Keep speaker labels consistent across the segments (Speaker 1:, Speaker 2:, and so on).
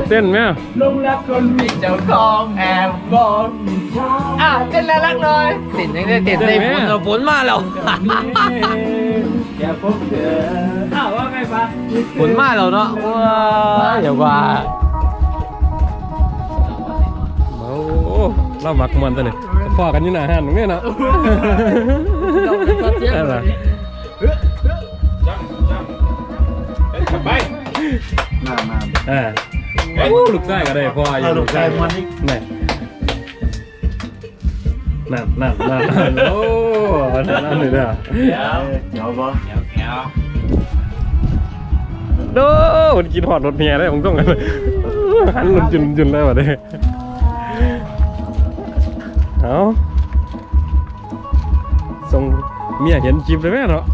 Speaker 1: เต้นไหม
Speaker 2: ลงรักคนมีเจ้าของแอบบอกเต้นแล้วรักหน่อยติดยังได้ติดได้ฝนมาแล้วแกพบเธอว่าไงปะฝนมาแล้วเนาะว้าอย่าว่า
Speaker 1: โอ้เล่ามักมันตัวนี้ฟอกันอยู่หน้าห้างนี่นะอะไรไปมาลูกไส้ก็ได้พ่ออยู่ลูกไส้มันนี่นั่นโอ้นั่นเลยนะเดี๋ยวบ่โน้มันกินหอดรถเมียได้ผมต้องหันจุนแล้ววะเด้เอาส่งเมียเห็นคลิปเลยไหมเนาะ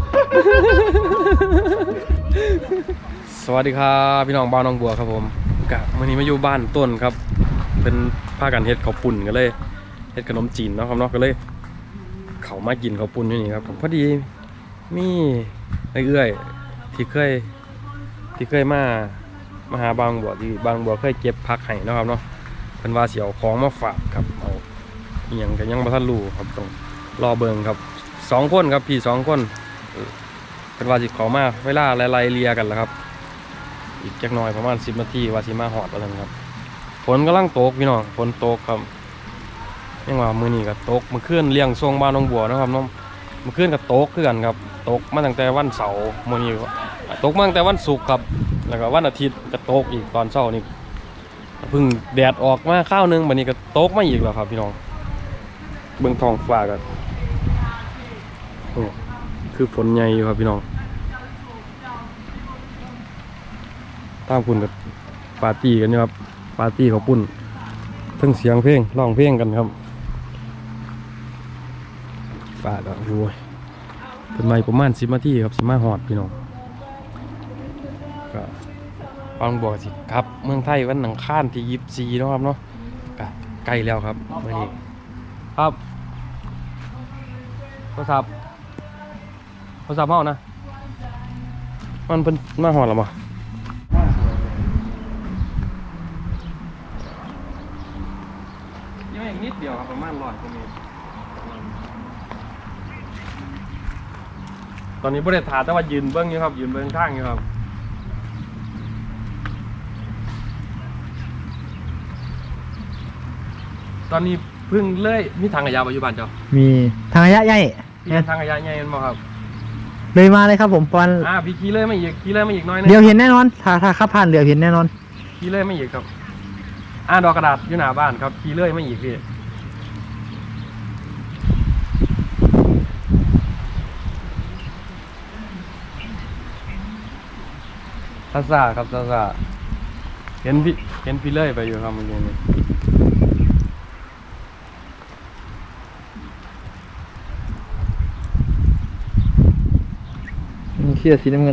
Speaker 1: สวัสดีครับพี่น้องบ้านน้องบัวครับผมกะวันนี้มาอยู่บ้านต้นครับเป็นผ้ากันเฮ็ดข้าวปุ่นกันเลยเฮ็ดขนมจีนเนาะครับเนาะก็เลยเขามากินข้าวปุ่นอยู่นี่ครับผมพอดีมีเอื้อยที่เคยมาหาบางบัวที่บางบัวเคยเก็บผักให้นะครับเนาะเป็นว่าเสียวของมาฝากครับเอาเอียงกันยังบ่ทันรู้ครับต้องรอเบิ่งครับ2 คนครับพี่2 คนเป็นว่าสิเขามาเวลาไล่เลียกันแล้วครับอีกจักหน่อยประมาณ10 นาทีว่าสิมาหอดแล้วครับฝนกำลังตกพี่น้องฝนตกครับยังว่ามื้อนี้ก็ตกเมื่อคืนเลี้ยงทรงบ้านน้องบัวนะครับน้องเมื่อคืนก็ตกคือกันครับตกมาตั้งแต่วันเสาร์มื้อนี้ตกมาตั้งแต่วันศุกร์ครับแล้วก็วันอาทิตย์ก็ตกอีกตอนเช้านี่เพิ่งแดดออกมาข้าวนึงบัดนี้ก็ตกมาอีกแล้วครับพี่น้องเบื้องท้องฟ้ากันคือฝนใหญ่อยู่ครับพี่น้องตามคุณกับปาร์ตี้กันนะครับปาร์ตี้เขาปุ่นทั้งเสียงเพลงร้องเพลงกันครับฟ้าก็โอ้ยเป็นไม้ประมาณ10 นาทีครับ15 หอดพี่น้องก็ฟังบอกสิครับเมืองไทยวันอังคารที่24นะครับเนาะใกล้แล้วครับวันนี้ครับโทรศัพท์เมานะมันเป็นมาหอดหรอมั้งยังอีกนิดเดียวครับประมาณ100 กว่าเมตรตอนนี้บริษัทถาแต่ว่ายืนเบื้องอยู่ครับยืนเบื้องข้างอยู่ครับตอนนี้เพิ่งเลื่อยมีทางขยะปัจจุบันเจ้า
Speaker 3: มีทางระยะใหญ่
Speaker 1: ทางขยะใหญ่เห็นไหมครับ
Speaker 3: เลยมาเลยครับผมปอน
Speaker 1: พี่ขี่เลยไม่อีกน้อยนึง
Speaker 3: เดี๋ยวเห็นแน่นอนถ้าขับผ่านเดี๋ยวเห็นแน่นอน
Speaker 1: ขี่เลยไม่อีกครับดอกกระดาษอยู่หน้าบ้านครับขี่เลยไม่อีกพี่ซาครับซาเห็นพี่เลยไปอยู่ครับเมื่อกี้นี้
Speaker 3: มีเสื้อสีน้ำเงิน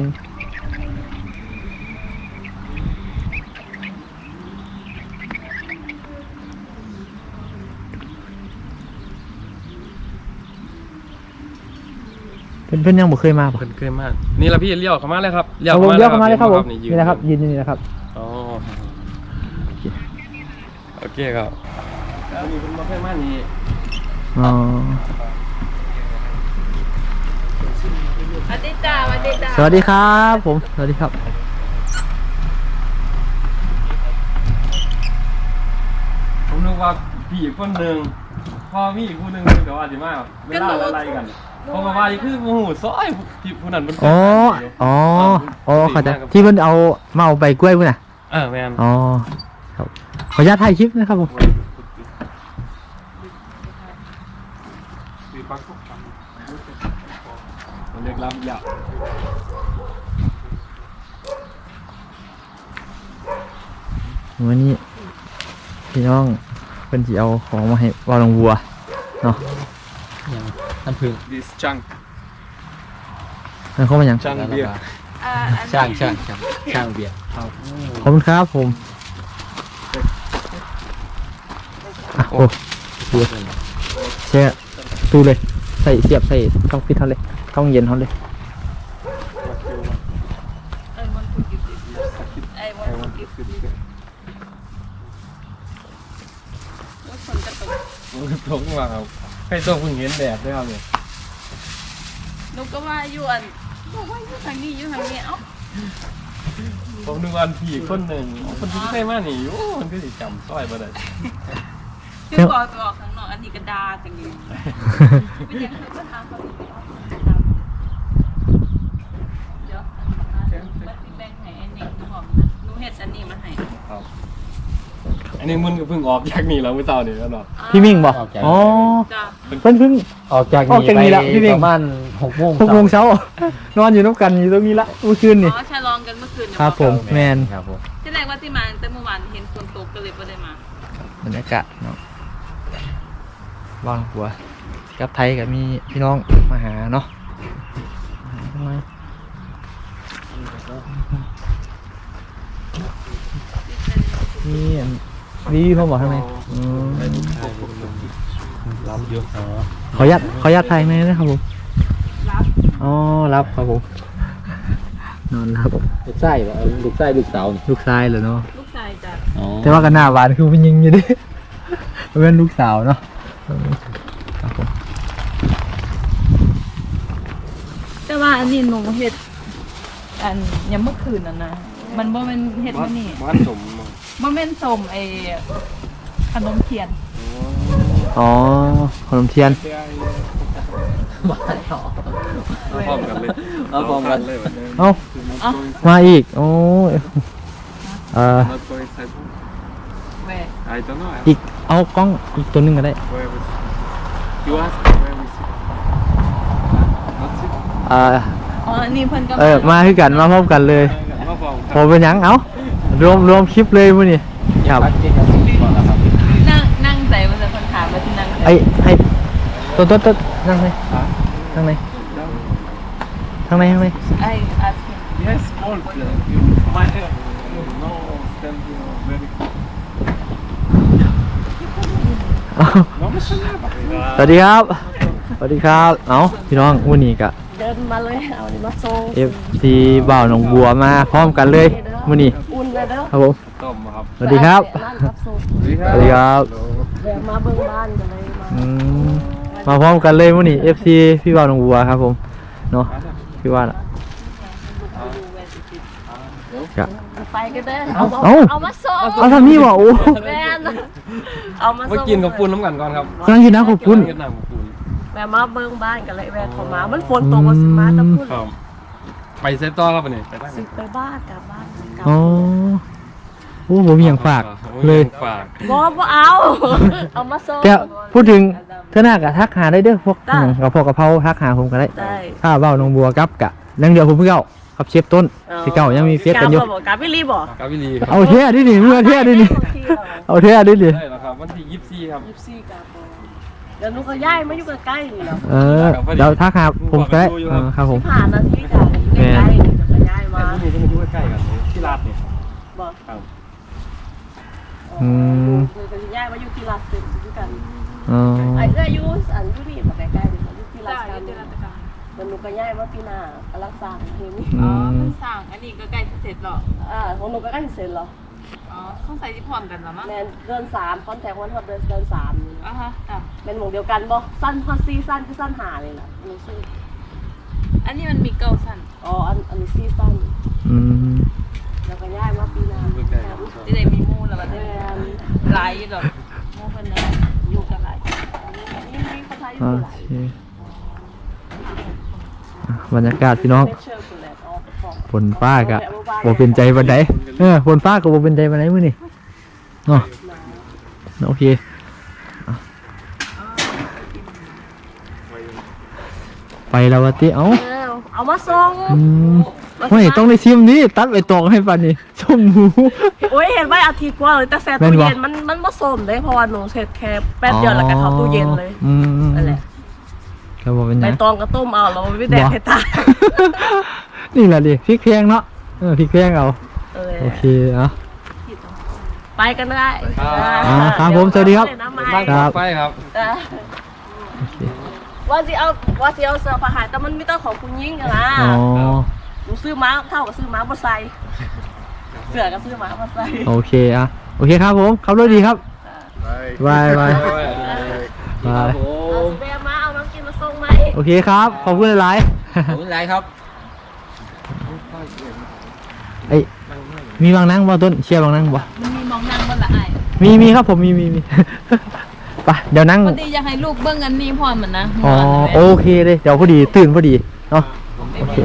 Speaker 3: เพื่อนยังบ่เคยมาป่ะ
Speaker 1: เคยมานี่ละพี่เลี้ยวเข้ามาเลยครับ
Speaker 3: เลี้ยวเข้ามาเลยครับผมนี่นะครับยืนนี่นะครับ
Speaker 1: อ๋อโอเคครับแล้วมีคนมาเพื่อนมานี่
Speaker 3: อ๋อ
Speaker 2: สวัสดีจ้า
Speaker 3: สวัสดีครับผมสวัสดีครับ
Speaker 1: ผมนึกว่าพี่อีกคนหนึ่งพอมีอีกคนหนึ่งเดี๋ยวอาจจะมาเวลาอะไรกันพอมาว่าคือโอ้โหซอยที่ผู้นั้นมัน
Speaker 3: อ๋อเข้าใจที่เพิ่นเอาใบกล้วยพุ่นน่ะ
Speaker 1: แม่น
Speaker 3: อ๋อครับขออนุญาตถ่ายคลิปนะครับผม
Speaker 1: เล็กล้ำยาว
Speaker 3: วันนี้พี่น้องเป็นที่เอาของมาให้วาลงวัวเนาะน้ำผึ้ง
Speaker 1: this chunk
Speaker 3: นั่นเขาเป็นยัง
Speaker 1: ช่างเบียร์
Speaker 2: ช่างเบียร์
Speaker 3: ขอบคุณครับผมโอ้เสียเสียตู้เลยเสียบใส่ต้องฟิตเขาเลยต้องเย็นเขาเลย
Speaker 4: ฝนกระตก
Speaker 1: มันตกมาครับใครตัวเพิ่งเห็นแดดด้วยครับเนี่ย
Speaker 4: หนูก็ว่าอยู่อันบอกว่าอยู่ทางนี้อยู่ทางนี้เอ้า
Speaker 1: ผมนึกว่าพี่คนหนึ่งคนที่ใช่มานี่โอ้มันก็สิจำซอยบ่ได้
Speaker 4: คือบอกตัวออกข้างนอกอันนี้ก็ดาจังอยู่ไม่ยังเคยมาทำเขาอีกเดี๋ยวมันแบ่งให้อันนี้หนูหอมหนูเฮ็ดอันนี้มาให้
Speaker 1: ครับอันนี้มันก็เพิ่งออกจากนี่แล้วเมื่อเช้านี่แล้วเนาะ
Speaker 3: พี่มิ่งบอกอ๋อ
Speaker 4: จ้า
Speaker 3: เพิ่ง
Speaker 2: ออกจาก
Speaker 3: นี้ละพี่เพ่ง
Speaker 2: ประมาณ6 โมง
Speaker 3: 6 โมงเช้านอนอยู่น้ำกันอยู่ตรงนี้ละเมื่อคืนนี่
Speaker 4: อ๋อฉลองกันเมื่อคืน
Speaker 3: ครับผมแมน
Speaker 2: ครับผม
Speaker 4: ที่แรกว่าที่มาแต่เมื่อวานเห็นฝนตกก็เลยไม่ได้มา
Speaker 3: บรรยากาศเนาะบ้านหัวกับไทยกับมีพี่น้องมาหาเนาะทำไมนี่รีวิวเขาบอกทำไม
Speaker 1: รับเยอะ
Speaker 3: ขออนุญาตไทยไหมนะครับผม
Speaker 4: รับ
Speaker 3: อ๋อรับครับผมนอนรับ
Speaker 2: ลูกไส้บ่ลูกไส้ลูกสาวนี่
Speaker 3: ลูกชายเหรอเนาะ
Speaker 4: ลูกชายจ้ะ
Speaker 2: อ๋อ
Speaker 3: แต่ว่ากันหน้าหวานคือเป็นยิงอยู่ดิ เป็นลูกสาวเนาะครับผม
Speaker 4: แต่ว่าอันนี้หนูเฮ็ดอันยังเมื่อคืนน่ะนะมันบ่แม่นเฮ็ดมื้อนี้
Speaker 1: บ้านสม
Speaker 4: บ่แม่นสมไอ้ขนมเทียน
Speaker 3: อ๋อขนมเทียน
Speaker 1: พร้อมกันเลย
Speaker 2: เอาพร้อมกัน
Speaker 1: เลยวันนี้
Speaker 3: เอ้า
Speaker 4: อ๋อ
Speaker 3: มาอีกโอ้ย
Speaker 1: Not going inside.
Speaker 4: แหว
Speaker 1: I don't know.
Speaker 3: อีกเอากล้องอีกตัวหนึงก็ได้
Speaker 1: Where was it? You ask where we sit. Not sit.
Speaker 4: อ๋ออันนี้เพิ่นก็
Speaker 3: มาคือกันมาพร้อมกันเลย
Speaker 1: มาพร้อม
Speaker 3: พอเป็นหยังเอ้ารวมคลิปเลยมื้อนี้ครับ
Speaker 2: ปักกินกับสิ่งก่อนนะครับ
Speaker 4: นั่งใจมันจะคนถามว่าที่นั่งใจ
Speaker 3: ให้ต้นนั่งไหนนั่งไหนข้างใน
Speaker 4: ไอ้อาชีพ
Speaker 1: Yes, all. You my hair. No, stand very. น้องไม่ใช่หน้าแบบ
Speaker 3: สวัสดีครับ สวัสดีครับ เอ้าพี่น้องวันนี้กะ
Speaker 5: เดินมาเลยเอานี่มาส่ง
Speaker 3: FC บ่าวหนองบัวมาพร้อมกันเลยวันนี้
Speaker 5: อุ่นเลยเด้อ
Speaker 3: ครับผม
Speaker 1: ต้มครับ
Speaker 3: สวัสดีครับ
Speaker 5: ร้านรับส่ง
Speaker 3: สวัสดีครับ
Speaker 5: แวะมาเบิ่งบ้านกันเลยมา
Speaker 3: อืมมาพร้อมกันเลยวันนี้ FC พี่บ่าวหนองบัวครับผมเนาะพี่ว่าน่ะกะ
Speaker 5: ไปกันเด้อ
Speaker 3: เอา
Speaker 5: มาส่ง
Speaker 3: เอาทำนี่บ่โอ้
Speaker 5: แม่นเอามา
Speaker 1: มา
Speaker 5: ส่ง
Speaker 1: กินกับปุ้นน้ำกันก่อนครับ
Speaker 3: กำลังกินน้ำขอบคุณ
Speaker 1: กินน้ำกับปุ้น
Speaker 5: แวะมาเบิ่งบ้านกันเลยแวะเข้ามามันฝนตกมาสิมาตะพุ่น
Speaker 1: ครับไปเซตต่อครับวันนี้ไปได้
Speaker 5: สิไปบ้านกลับบ้านกลับ
Speaker 3: อ๋อโอ้ผมมีอย่างฝากเลย
Speaker 1: ฝาก
Speaker 5: บ่เอาเอามาส่ง
Speaker 3: แต่พูดถึงเท่าหน้ากะทักหาได้เด้อพวก
Speaker 5: ได้
Speaker 3: กระเพาะกระเพราทักหาผมก็ได้
Speaker 5: ได้
Speaker 3: ถ้าเบ้าหนองบัวกับกะยังเดียวผมเพิ่งเอากับเชฟต้นที่เก่ายังมีเฟซกันอยู่
Speaker 5: กลับวิลีบ่
Speaker 1: กาวิลีครับ
Speaker 3: เอาเท่ดินี่เมื่อเท่ดินี่เอาเท่ดินี่
Speaker 1: ได้แล้วครับวันที่24ครับ
Speaker 5: 24กลับบ่เดี๋ยวหนูก็ย้ายมาอยู่ใกล้ๆนี่แหล้ว
Speaker 3: เดี๋ยวทักหาผมก็ได้ครับผม
Speaker 5: ผ่านนาทีจ้ะใกล้ๆนี่เดี๋ยวก็ย้ายมา
Speaker 1: นี่ก็อยู่ใกล้ๆกันที่ลาดนี่
Speaker 5: บ่
Speaker 1: ครับ
Speaker 3: อืม
Speaker 5: คือจะย้ายมาอยู่ที่ลาดเซ็นด้วยกัน
Speaker 3: อ๋อ
Speaker 5: ไอ้เอ้ยอยู่อันอยู่นี่มาใกล้ๆนี่อยู่ที่ลา
Speaker 4: จ้า
Speaker 5: ด
Speaker 4: อ
Speaker 5: เซ็
Speaker 4: ยู่
Speaker 5: น
Speaker 4: ที่ราชการ
Speaker 5: เดี๋ยวหนูก็ย้ายมาปีหน้ากำลังสร้างเฮมิ
Speaker 4: อ๋อเพิ่งสร้างอันนี้ก็ใกล้จะเสร็จแล้ว
Speaker 5: ของหนูก็ใกล้เสร็จแล้ว
Speaker 4: อ๋อเข้าใส่ที่พร้อมกันแล้วมั้ง
Speaker 5: แมนเดือน3คอนแทควันฮอดเดือน3นี่
Speaker 4: อ่ะฮะจ้ะ
Speaker 5: เป็นหมวกเดียวกันบ่สั้นฮอดซีสั้นคือสั้นหาเลยล่ะหนูชื่อ
Speaker 4: อันนี้มันมีเก้าสั้น
Speaker 5: อ๋ออันนี้ซีสั้น
Speaker 3: อืม
Speaker 5: แล้วก็ย้ายมาปีหน้า
Speaker 4: ที่ได้มีหมู่แล้วก็
Speaker 5: แม
Speaker 4: ได้
Speaker 5: น
Speaker 4: หลายอยู่ดอกหมู่เพิ่นน่ะอยู่กันหลาย
Speaker 5: นี่มีคนไทยอ
Speaker 3: โอยู่
Speaker 5: หลาย
Speaker 3: เคบรรยากาศพี่น้อง
Speaker 5: เชื่อคุณแหละออกของ
Speaker 3: ฝนฟ้ากะบ่เป็นใจบันไดฝนฟ้าก็บ่เป็นใจบันไดมื้อนี่เนาะโอเคไปแล้ววะติเอ้า
Speaker 5: เอามาส่ง
Speaker 3: ไม่ต้องได้ชิมนี่ตัดไปตองให้ปันนี่ชมหมู
Speaker 5: โอ้ยเห็นไว้อาทิตย์กว่าเลยแต่แซ่
Speaker 3: แม่
Speaker 5: ตู้
Speaker 3: นบ่
Speaker 5: เย็นมันผสมเลยเพราะว่าหนูเสร็จแค่แป๊บเดียวแล้วก็เข้าตู้เย็นเลย
Speaker 3: อืม
Speaker 5: นั่นแหละ
Speaker 3: ก็บอกเป็นห
Speaker 5: ใบ
Speaker 3: ยัง
Speaker 5: ตองก็ต้มเอาแล้วไม่แดกให้ตาย
Speaker 3: นี่แหละดิพริกแพงเนาะพริกแพงเอา
Speaker 5: เออ
Speaker 3: โอเคเนาะ
Speaker 5: ไปกันได้
Speaker 3: ครับผมสวัสดีครับ
Speaker 1: บ้าน
Speaker 3: ครับ
Speaker 1: ไปครับ
Speaker 3: โอเค
Speaker 5: ว่าสิเอาเสื้อผ้าหายแต่มันไม่ต้องของคุณยิ่งกันนะ
Speaker 3: อ๋อ
Speaker 5: หนูซื้อม้าเท่ากับซื้อม้าบ่ใส่เสื้อกับซื้อม้าบ่ใส่
Speaker 3: โอเคโอเคครับผมขับรถดีครับ
Speaker 1: ไป
Speaker 3: บายบายบาย
Speaker 5: แม่มาเอาน้องกินมาส่งไหม
Speaker 3: โอเคครับขอบคุณหลาย
Speaker 2: ขอบคุณหลายครับ
Speaker 3: ไอ้มีบางนั่งบ่ต้นเชียร์บางนั่งบ่
Speaker 4: มันมีมองนั่งบ่ละอ้าย
Speaker 3: มีครับผมมีไปเดี๋ยวนั่ง
Speaker 4: พอดีอยากให้ลูกเบิ่งอันนี้พร้อมมันนะ
Speaker 3: อ๋อโอเคเลยเดี๋ยวพอดีตื่นพอดีเนาะโอเค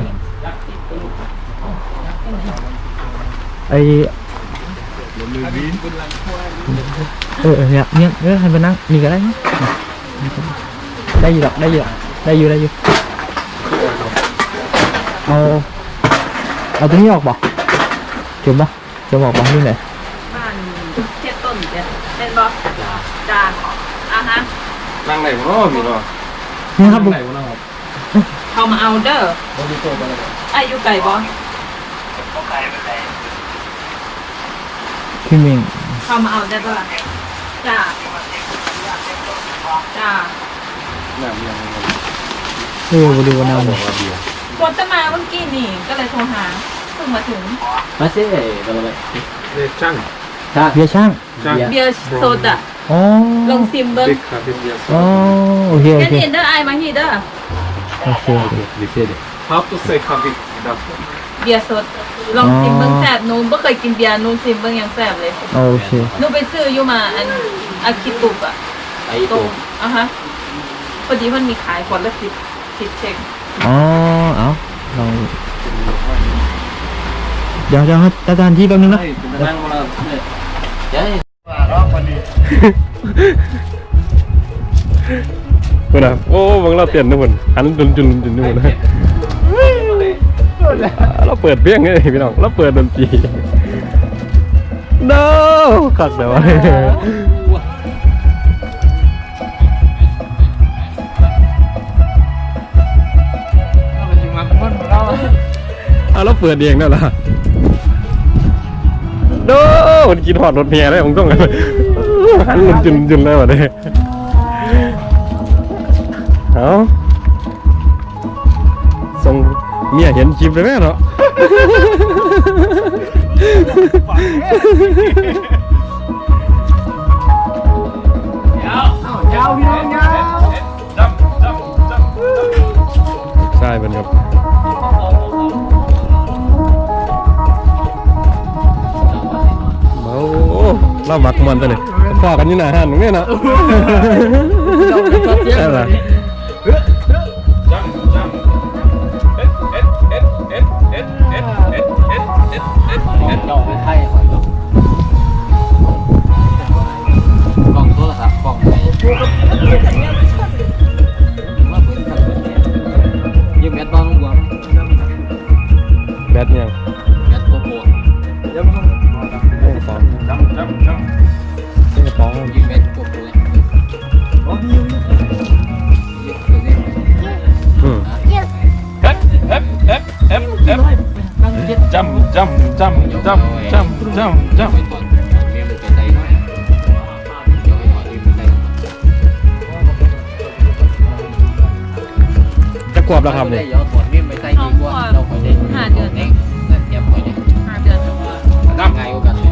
Speaker 3: ไอเนี่ยให้ไปนั่งนี่ก็ได้นะได้อยู่หรอกได้อยู่เอาตัวนี้ออกบ่จุ่มออกบ่นี่ไหน
Speaker 4: บ้านเจ็ดต้นเด้เป็นบ่จ้าฮะ
Speaker 1: นั่งไหนวะพี่น้อง
Speaker 3: นี่ครับ
Speaker 1: ไหนวะครับ
Speaker 4: เข้ามาเอาเด้ออายุไก่บ่
Speaker 3: พี่เมง
Speaker 4: เข้ามาเอาได้บ่ล่ะจ้า
Speaker 3: บริวารนาม
Speaker 4: กดจะมาเมื่อกี้นี่ก็เลยโทรหาเพิ่งมาถึง
Speaker 2: มาเซ่กันเลย
Speaker 1: เด็กช่าง
Speaker 3: เบียร์ช่าง
Speaker 4: เบียร์โซดา
Speaker 3: อ๋อ
Speaker 4: ลงซิมเบิ้ง
Speaker 1: เด็กครับเป็นเดียว
Speaker 3: อ๋อโอเค
Speaker 4: แค่นี้เด้อไอายมาฮีเด้อ
Speaker 3: โอเค
Speaker 2: ดิเซ่ดิ
Speaker 1: How to say coffee ครับ
Speaker 4: เบียร์สดลองซิมเบิ้งแซ่บหนูบ่เคยกินเบียร์หนูซิมเบิ้งยังแซ่บเลย
Speaker 3: โอเค
Speaker 4: หนูไปซื้ออยู่มาอันอาคิตุกอะ
Speaker 2: ไอ้
Speaker 4: ตร
Speaker 2: ตัว
Speaker 4: งฮะพอดีมันมีขายขวดละ10เช็ค
Speaker 3: อ๋อเอาลองเดี๋ยวครับอาจารย์ที่แป๊บนึงนะ
Speaker 2: นั่งมาเดี๋ยว
Speaker 1: เพื่อนโอ้บางเราเปลี่ยนนะเพื่อนหันจุนนู่นนะเราเปิดเพี้ยงไงพี่น้องเราเปิดดนตรีno ขัดแต่ว่าเราเปิดเองนั่นแหละโน้มันกินหอดรถเมียได้ผมต้องหันจุนแล้ววะเนี่ยเอาส่งเมียเห็นคลิปเลยแม่เนาะใช่เป็นครับเมาเราหมักมันตัวนี้พอกันอยู่หน้าห้านตรงนี้นะใช่ไหม
Speaker 2: เราไปไทยก่อนกล่องโทรศัพท์กล่องไหนยืมแบตบ้างลุงบัว
Speaker 1: แบทยัง
Speaker 2: แบตโกโก้
Speaker 1: กระป๋องกระป๋อง
Speaker 2: ยืมแบตโกโก้เลยยืมตัวนี้
Speaker 1: จำไปก่อน
Speaker 2: เมียมันเป็นใจน้อยเดี๋ยวไปก่อนยืมเป็นใจ
Speaker 1: จะกวบแล้วครับเนี่ย
Speaker 2: เดี๋ยวถอดเมียไปใส่ดีกว่าเราคอยได้5 เดือนเองเตรียมคอยได้
Speaker 4: 5 เดือน
Speaker 2: ง่ายกว่ากัน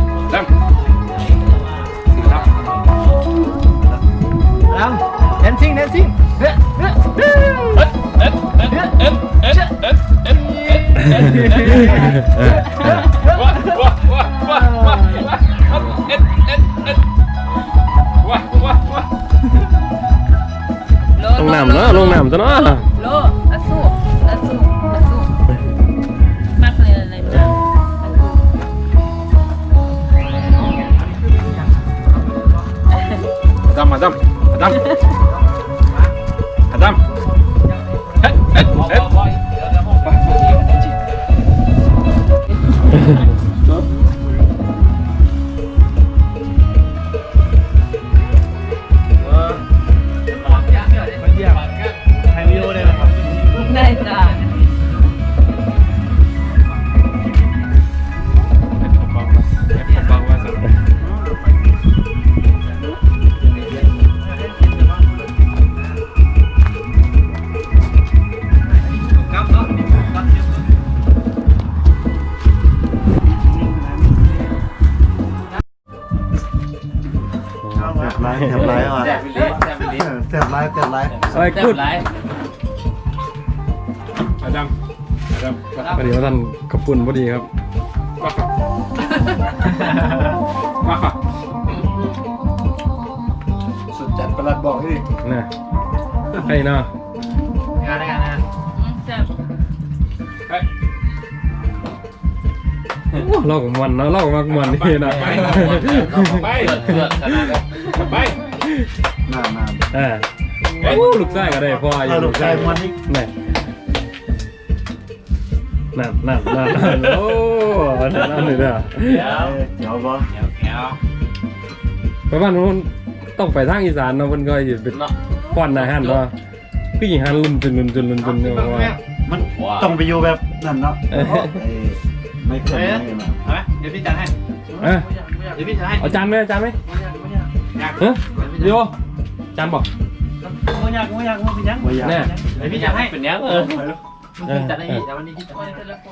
Speaker 2: แดนซิ่ง
Speaker 1: ลงน้ำเนาะลงน้ำซะเนาะ
Speaker 4: โลอาสู้มากเลยอะไรจ้ะ ได้จ้ะ
Speaker 6: บไรแถบไรอ่ะ
Speaker 2: แซ่บลิ้นแซ่บลิ้น
Speaker 6: แถบไรแถบไร
Speaker 1: อะไร
Speaker 2: แซ่
Speaker 1: กู
Speaker 2: บ
Speaker 1: ด
Speaker 2: หลาย
Speaker 1: อาจารย์พอดีว่าท่านกระปุ่นพอดีครับ
Speaker 6: สุดจัดประหลัดบอกดิ
Speaker 1: น่ะให้เนาะ
Speaker 2: งานนะ
Speaker 4: แซ่บ
Speaker 1: เล่ากับมันเนาะเล่ากับมันนี่นะ
Speaker 2: ไปเลือดขนาดนั้นไป
Speaker 6: หน้า
Speaker 1: อ่าลูกไส้ก็ได้พ่ออยู่
Speaker 6: ลูกชายมันนี่
Speaker 1: นี่นั่นโอ้นั่นเลยนะ
Speaker 6: เดี๋ยวบ่
Speaker 2: แก้ว
Speaker 1: ไปบ้านนู้นต้องไปทางอีสานเนาะมันก็จะเป็นป้อนอาหารเนาะพี่หญิงหันลุมจนเนี่ยว่า
Speaker 6: มันต้องไปอยู่แบบนั่นเนาะไม่เคย
Speaker 2: เดี๋ยวพี่จัดให้
Speaker 1: อ่ะ
Speaker 2: เดี๋ยวพี่จัดให้
Speaker 1: เอาจานไหมเฮ้ยเดี๋ยวจานบอก
Speaker 2: ไม่อยากพี่จัด
Speaker 6: ไม่อยาก
Speaker 1: แน่
Speaker 2: เดี๋ยวพี่จัดให้เป็นยังจัดให้พี่แต่วันนี้พี่จัด
Speaker 4: คน
Speaker 2: ให้
Speaker 4: แต่ละคน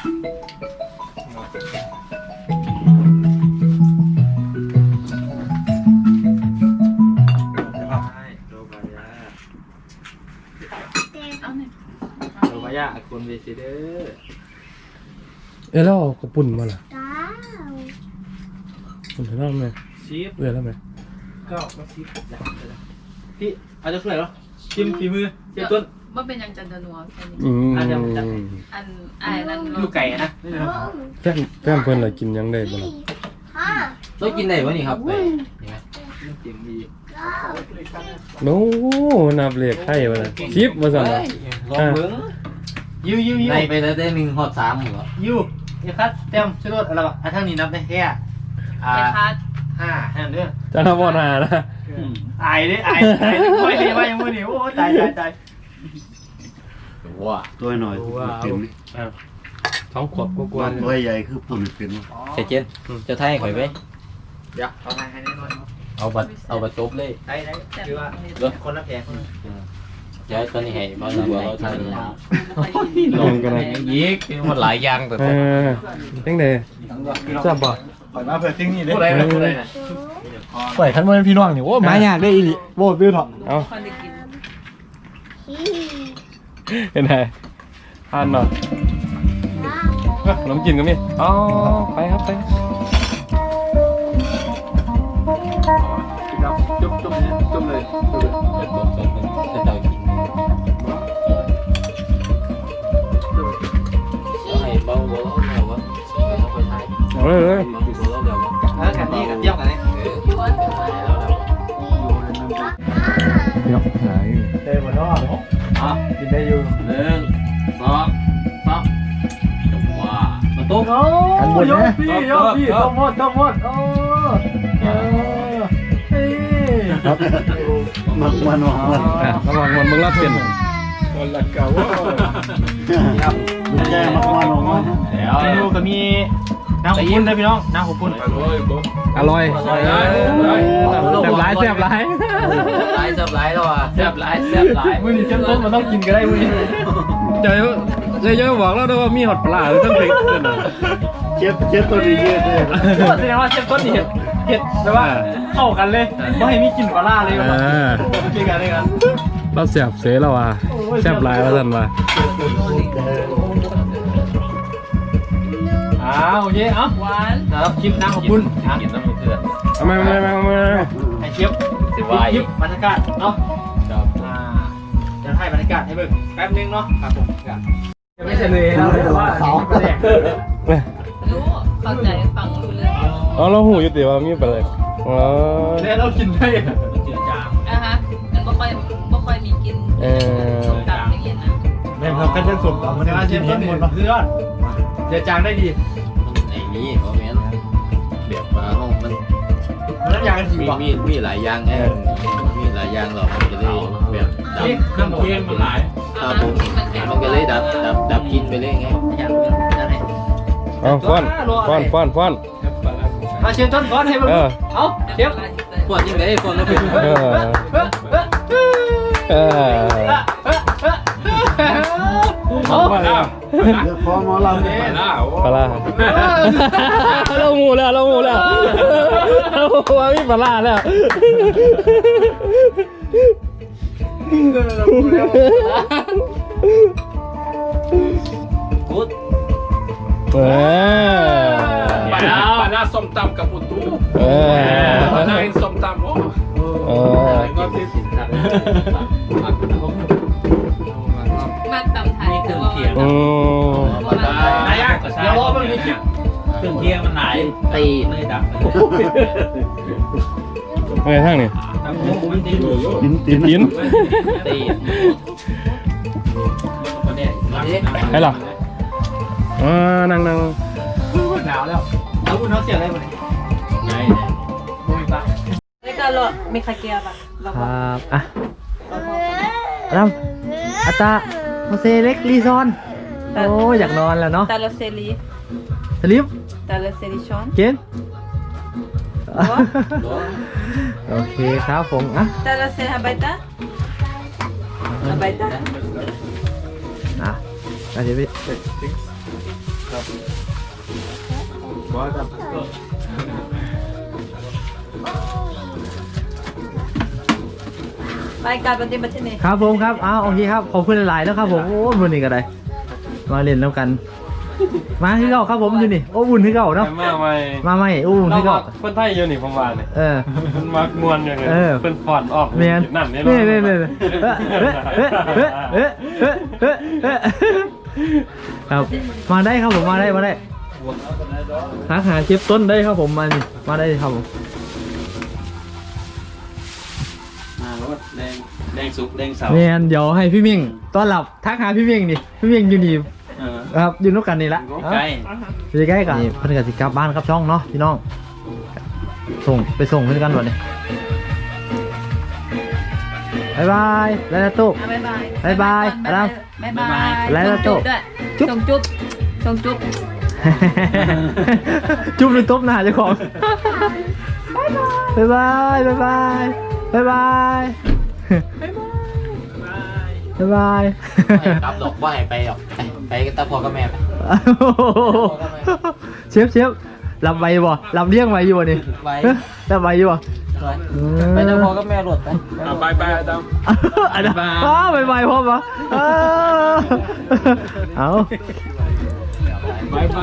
Speaker 4: เอาหน่อย
Speaker 2: โรบายาคนเวซิเดอร์
Speaker 1: แล้วกระปุ่นมาล่ะปุ่นเท่าไหร่
Speaker 2: ชีฟ
Speaker 1: เรื่อยแล้วไหม
Speaker 2: ก็มาชีฟพี่เอาจะช่วยเหรอชิมฝีมือเชฟต้น
Speaker 4: ว่าเป็นยังจันทนัวแค่นี้
Speaker 2: อันเดียวจัด
Speaker 4: อันไอ้นั่น
Speaker 2: ลูกไก่นะ
Speaker 1: แฟนเพิ่นอะไรกินยังได้บ่ล่ะ
Speaker 2: ต้องกินไหนวะนี่ครับนี่ไงเสียงดี
Speaker 1: โน้นับเลขไทยมาล่ะชิปมาสั่นล่ะ
Speaker 2: ลองเบิ้งยูในไปแล้วได้1 ฮอด 3เหรอยูนี่ครับเต็มชุดรถอะไรวะทั้งนี้นับได้แค่
Speaker 4: ไอ้คัด
Speaker 2: 5ให้เด้อ
Speaker 1: จะนับบ่หานะ
Speaker 2: อายดิอายไม่ดีว่ายังไม่ดีโอ้ตายว้า
Speaker 6: ตัวหน่อยเป็น
Speaker 1: ท้องขวบกว่าๆ
Speaker 6: ตัวใหญ่คือปุ่นเป็น
Speaker 7: เสร็จเจนจะไทยข่อยไหม
Speaker 2: เดี๋ยวเอาให้แน่นอน
Speaker 7: เอาบัตรจบเลย
Speaker 2: ได้คือว่าคนละแพง
Speaker 7: เดี๋ยวตอนนี้ให้บ้านเราเราทำ
Speaker 1: ลงกันนะ
Speaker 7: ยิกมันหลายอย่างแต่
Speaker 1: จังได๋ทราบบ่
Speaker 6: ปล่อยมาเพื่อทิ้งนี่เลย
Speaker 2: พูดอะไรพูดอะไร
Speaker 3: ปล่อยคันมันพี่น้องนี่โอ้มายากได้อีหลีโว้ตื้อเถาะ
Speaker 1: เอ้า
Speaker 4: คนได้กิน
Speaker 1: เห็นไหมอ่านเนาะขนมจีนก็มีอ๋อไปครับไป
Speaker 2: จุ่มเลย
Speaker 7: เป็นตัวจบเป็นจะเจ้ากินให้เบาเบาแล้ววะเอาไปไทย
Speaker 1: เฮ้ย
Speaker 7: เบาแล้ววะ
Speaker 2: กันนี่กันเยี่ยมกันนี่
Speaker 3: พี่น้องไหน
Speaker 6: เต็มหมดแล้ว
Speaker 2: อ่ะ
Speaker 3: กินได้อยู่
Speaker 2: 1 2 3จังหวะ
Speaker 7: มาตุ้ม
Speaker 3: อันบนนะ
Speaker 2: พี่ต้องหมดโอ้
Speaker 3: ครับ
Speaker 6: มัน
Speaker 1: ระวังมันมึงรับเป็น
Speaker 6: คนละเก่าลูกแย่มาก
Speaker 2: เดี๋ยวดูก็มีน้ำขบุ้นนะพี่น้องน้ำขบุ้น
Speaker 1: อร่อยแซ่บหลายแซ่บหลาย
Speaker 7: หลายจับหลายแล้วอ่ะ
Speaker 2: แซ่บหลายมื้อนี้เจ้าต้นมันต้องกินก็ได้มื้อนี้
Speaker 1: เจอบอกแล้วด้วยว่ามีหอดปลาหรือต้องติดขึ้นน่ะ
Speaker 6: เจ็บตัวดีเยอะเลย
Speaker 2: แสดงว่าเจ้าต้นนี่เห็ดแต่ว่าเข้ากันเลยไม่ให้มีกลิ่นปลาล่าเลยว่ะโอเคกันเลยกัน
Speaker 1: เราแซ่บเสยแล้วว่ะแซ่บหลายว่าซั่นว่ะ
Speaker 2: โอเคเอ้า
Speaker 4: หวาน
Speaker 2: ครับคลิปน้ำขบุ้น
Speaker 7: กินน้ำมันเถื่อน
Speaker 1: เอามา
Speaker 2: ให้คลิป
Speaker 7: สิวาย
Speaker 2: คลิปบรรยากาศเนาะจะให้บรรยากาศให้เบิ่งแป๊บนึงเนาะครับผมไม่ใช่เลยนะแต่ว่าแดก
Speaker 4: รู้เข้าใจฟังรู้เรื่อง
Speaker 1: อ๋อเราหูอยู่ติว่ามีปลาเลยอ๋อ
Speaker 2: แล้วเรากินได้มันจืดจาง
Speaker 4: อ่ะฮะมันบ่ค่อยมีกินส้มตำอย่างเงี้ยนะ
Speaker 6: แม่ครับกันจะสมต่อ
Speaker 2: มั
Speaker 6: มัน น
Speaker 2: จะ
Speaker 6: จะ
Speaker 2: เช
Speaker 6: กิ
Speaker 2: ฟ
Speaker 6: น
Speaker 2: ต้
Speaker 6: เห็
Speaker 2: น
Speaker 6: นหม
Speaker 2: หม
Speaker 6: ด
Speaker 2: ด
Speaker 6: เนาะ
Speaker 2: เพื่อนเจือจางได้ดี
Speaker 7: ไอ้นี่เขาแม่นแบบปลาห้องมัน
Speaker 2: มันน้ำยากันสี
Speaker 7: มี
Speaker 2: บ่
Speaker 7: มีหลายอย่างไงมีหลายอย่างหรอกมันจะได้แบบดับ
Speaker 2: นี่เครื่องเคียงมันหลาย
Speaker 7: ครับผมมันก็เลยดับกินไปเลยไง
Speaker 2: อย่างนั้น
Speaker 1: เอาฟ้อน
Speaker 2: มาเชฟต้นก้อนให้เบิ่งเอาเชฟ
Speaker 7: พวกยังไงคนเราเป็น
Speaker 1: เออ
Speaker 6: เดี๋ยวพอหมอลำเนี่ย
Speaker 1: ปลาเราหมูแล้วเราว่ามีปลาแล้ว
Speaker 2: พุทธ
Speaker 8: ปลาล่าส้มตำกับปุตุปลาล่าเห็นส้มตำโอ้ก็ที่
Speaker 4: มันตำไทยคือว่า
Speaker 2: นายก็ใช่เดี๋ยวรอมันนี่เครื่องเคียงมันไหนตีไม่ดับ
Speaker 1: ไงทางนี่
Speaker 6: ตีน
Speaker 1: ยิน
Speaker 2: ตี
Speaker 1: ให้หรอนั่ง
Speaker 2: หนาวแล้วแล้วคุณน้องเสียอะไรมาเนี่ยไงมุ้ยปะ
Speaker 4: แล้วก็รอมีคาเกียร์ป่ะเรา
Speaker 3: ค
Speaker 4: ก็
Speaker 3: รับอ่ะรำอัตตาโมเซเล็กรีซอนโอ้อยากนอนแล้วเนาะ
Speaker 4: แต่ละเซรี
Speaker 3: สลิป
Speaker 4: แต่ละเซรีช้อน
Speaker 3: เกนโอเคครับผมอ่ะ
Speaker 4: แต่ละเซฮับไบตาฮับไบตา
Speaker 3: อ่ะเดี๋ยวไป
Speaker 4: รายการปฏิบัติที่นี่
Speaker 3: ครับผมครับอ้าวโอเคครับขอบคุณหลายๆแล้วครับผมโอ้บุญนี่ก็ได้มาเล่นแล้วกัน มาที่เก่าครับผมอยู่นี่โอ้บุญที่เก่าเนาะ
Speaker 1: มาใหม่
Speaker 3: มาใหม่โอ้บุญที่เก่า
Speaker 1: คนไทยอยู่นี่ผมว่าเนี่ย มันมักมวนอย่างเงี้ยเป็นฟอนออก
Speaker 3: เมียน
Speaker 1: นั่นนี่
Speaker 3: นี่ครับมาได้ครับผมมาได้หาเชฟต้นได้ครับผมมาได้ครับผม
Speaker 7: มารถแดงสุกแดงเสา
Speaker 3: เมียนเดี๋ยวให้พี่มิ่งต้อนรับทักหาพี่มิ่งดิพี่มิ่งอยู่นี่ครับอยู่นู้นกันนี่ละ
Speaker 7: ใกล้
Speaker 3: อยู่ใกล้กันนี่เพื่อนกับสิกลับบ้านครับช่องเนาะพี่น้องไปส่งเพื่อนกันก่อนนี่บายบายแล้วนะตุ๊ก
Speaker 4: บ๊ายบาย
Speaker 3: บ๊ายบาย
Speaker 4: บ๊ายบายบ๊ายบาย
Speaker 3: แล้วนะ
Speaker 4: จุ๊
Speaker 3: ตุ๊
Speaker 4: บ
Speaker 3: ก
Speaker 4: ด้วย
Speaker 3: จุ๊บ
Speaker 4: ส่งจุ๊บส่งจุ๊บ
Speaker 3: จุ๊บหรือตบหน้าเจ้าของบายบายบายบายบายบายบายบาย
Speaker 2: กลับดอกว่าให้ไปหรอกไปกับตาพ่อกับแม่ไป
Speaker 3: เชฟรับไวบ่รับเลี้ยงไวอยู่บ่นี่รับไวอยู่บ่
Speaker 2: ไปตาพ่อกับแม่หลดไป
Speaker 8: ไปอาดัม
Speaker 3: อันนั้นไปไวพ่อปะเอา
Speaker 8: ไป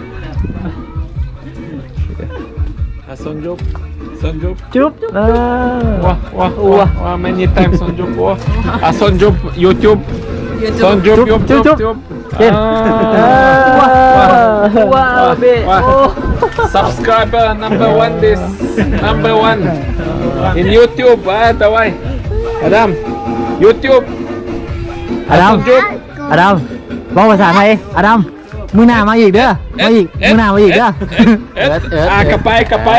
Speaker 8: sonjuk
Speaker 3: จุ๊บ
Speaker 8: wah many times sonjuk sonjuk YouTube
Speaker 3: จุ๊บเก่งว้าวเบ้
Speaker 8: subscriber number one in YouTube tawai Adam YouTube
Speaker 3: อดัมบอกภาษาไทยอดัมมือหน้ามาอีกเด้อมาอีกมือหน้ามาอีกเด้อ
Speaker 8: กลับไปกลับไป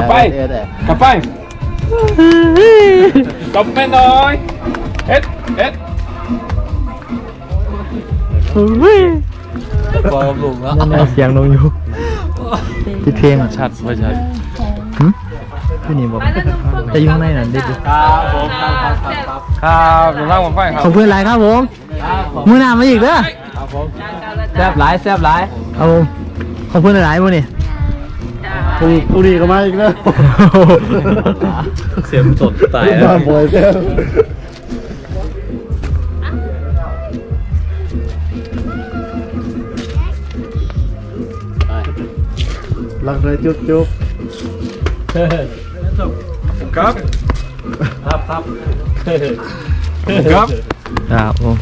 Speaker 8: หน่อยเอ็ด
Speaker 2: พ่อกับลุงแล้ว
Speaker 3: นั่นแหละเสียงลงอยู่ติดเพลง
Speaker 1: ชัดไม่ชัด
Speaker 3: พี่นี่บอกจะอยู่ข้างในน่ะเด็ก
Speaker 2: ครับผมครับ
Speaker 1: ครับอยู่ล่างผมไฟครับ
Speaker 3: ขอบคุณหลายครับผมมือหน้ามาอีกเด้อ
Speaker 2: แซ่บหลาย
Speaker 3: ครับผมขอบคุณหลายมื้อนี่
Speaker 6: ตุรีก็มาอีกแล้ว
Speaker 7: เสียมสดตาย
Speaker 6: มาบ่อยแล้วรักเลยจุ๊บ
Speaker 8: ครับ
Speaker 3: ครับผม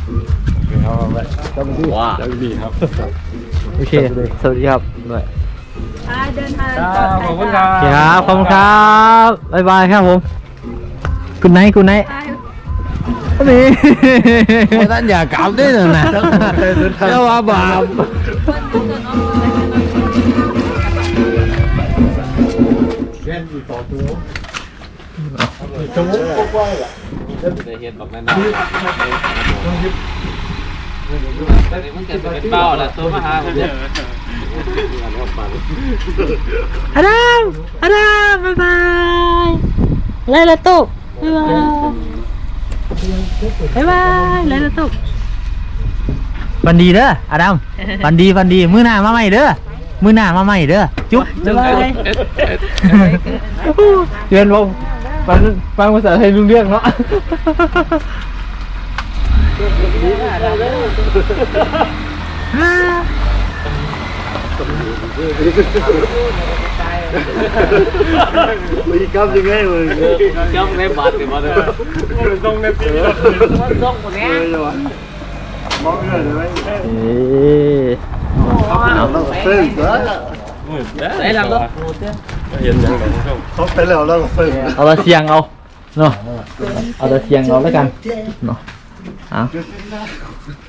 Speaker 7: ว้า
Speaker 1: ดีครับ
Speaker 3: โอเคสวัสดีครับด้วย
Speaker 4: เดินทาง
Speaker 1: ขอบคุณครับ
Speaker 3: ครับขอบคุณครับบ๊ายบายครับผมคุณไนท์นี่
Speaker 2: ท่านอย่ากลับด้วยนะเจ้าว่าบาป
Speaker 7: ได้เห็นบอกแม่นมันเกิดเป็นเป้าแล้วตัวมาหาผมเนี่ย
Speaker 3: อดัมบ๊ายบายไล่ละตุ๊กบ๊ายบายไล่ละตุ๊กฟันดีเด้ออาดัมฟันดีมื้อหน้ามาใหม่เด้อมื้อหน้ามาใหม่เด้อจุ๊บบ๊ายบายเรียนว่าฟังภาษาไทยรู้เรื่องเนาะ
Speaker 6: มีกำยังไงมึง
Speaker 2: trong cái bát thì mà được
Speaker 6: ต้องในปีนี้
Speaker 2: trong của nghe
Speaker 6: มองเงินเลย
Speaker 3: เอา
Speaker 6: เราซื้อเหรอ
Speaker 2: đấy làm đâu
Speaker 1: เห็นยังไงครับ
Speaker 6: เขาไปแล้วเราซื้อ
Speaker 3: เอาละเสียงเอาเนาะเอาละเสียงเอาแล้วกันเนาะเอา